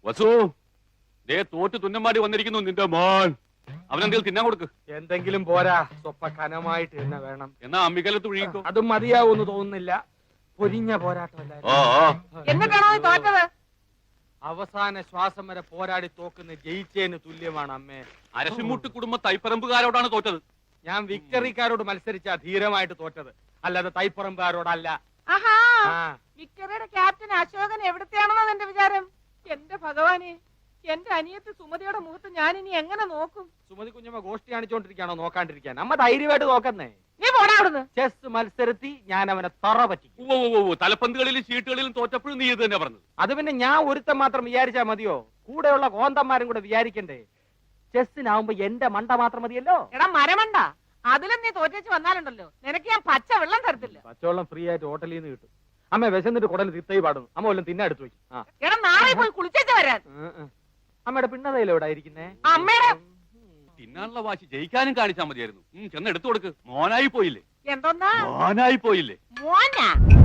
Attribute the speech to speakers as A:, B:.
A: വസു, ദേ തോറ്റ് തുന്നമാടി വന്നിരിക്കുന്നു നിന്റെ മോൻ. അവനെന്തെങ്കിലും തിന്നാൻ കൊടുക്ക്.
B: എന്തെങ്കിലും പോരാ, സ്വപ്പ കനമായിട്ട് തന്നെ വേണം.
A: എന്നാ അമ്മിക്കലത്ത് ഒഴുകിക്കോ.
B: അതും മതിയാവൂന്ന് തോന്നുന്നില്ല. പൊരിഞ്ഞ പോരാട്ടമല്ല.
C: എന്നിട്ടാണോ നീ തോറ്റത്?
B: അവസാന ശ്വാസം വരെ പോരാടി തോക്കുന്ന ജയിച്ചേന് തുല്യമാണ് അമ്മേ.
A: അരശിമുട്ട് കുടുംബ തൈപ്പറമ്പുകാരോടാണ് തോറ്റത്.
B: ഞാൻ വിക്ടറിക്കാരോട് മത്സരിച്ച ധീരമായിട്ട് തോറ്റത്, അല്ലാതെ തൈപ്പറമ്പുകാരോടല്ല.
C: ആഹാ,
B: ആ.
C: വിക്ടറിയുടെ ക്യാപ്റ്റൻ അശോകൻ എവിടത്തെയാണെന്നോ എന്റെ വിചാരം? എന്റെ ഭഗവാനെ, എന്റെ അനിയത്തി സുമതിയുടെ മുഖത്ത് ഞാൻ ഇനി എങ്ങനെ നോക്കും?
B: സുമതി കുഞ്ഞമ്മ ഗോഷ്ടി കാണിച്ചോണ്ടിരിക്കാണോ നോക്കാണ്ടിരിക്കാൻ? അമ്മ ധൈര്യമായിട്ട് നോക്കുന്നേ.
C: നീ പോടാ അവിടുന്ന്.
B: ചെസ് മത്സരത്തി ഞാൻ അവനെ തറ പറ്റിക്കും.
A: തലപ്പന്തുകളിലും ചീട്ടുകളിലും തോറ്റപ്പോഴും നീ ഇത് തന്നെ പറഞ്ഞത്.
B: അത് പിന്നെ ഞാൻ ഒരുത്തൻ മാത്രം വിചാരിച്ചാ മതിയോ? കൂടെയുള്ള കോന്തന്മാരും കൂടെ വിചാരിക്കണ്ടേ? ചെസ്സിനാവുമ്പോ എന്റെ മണ്ട മാത്രം മതിയല്ലോ.
C: എടാ മരമണ്ട, അതിലും നീ തോറ്റേച്ച് വന്നാലുണ്ടല്ലോ, നിനക്ക് ഞാൻ പച്ച വെള്ളം തരത്തില്ല.
B: പച്ചവെള്ളം ഫ്രീ ആയിട്ട് ഹോട്ടലിൽ നിന്ന് കിട്ടും. അമ്മ വിശന്നിട്ട് കുടൽ തിത്തൈ പാടുന്നു. അമ്മ വല്ലതും തിന്നെ എടുത്തു വയ്ക്കും.
C: എടാ നാളെ പോയി കുളിച്ചേച്ച് വരാൻ.
B: അമ്മയുടെ പിണ്ണതയില എവിടെ ഇരിക്കുന്നേ?
C: അമ്മയുടെ
A: തിന്നാനുള്ള വാശി ജയിക്കാനും കാണിച്ചാൽ മതിയായിരുന്നു. ചെന്ന് എടുത്തു കൊടുക്ക്. മോനായി പോയില്ലേ?
C: എന്തോന്നാ
A: മോനായി പോയില്ലേ?
C: മോനാ?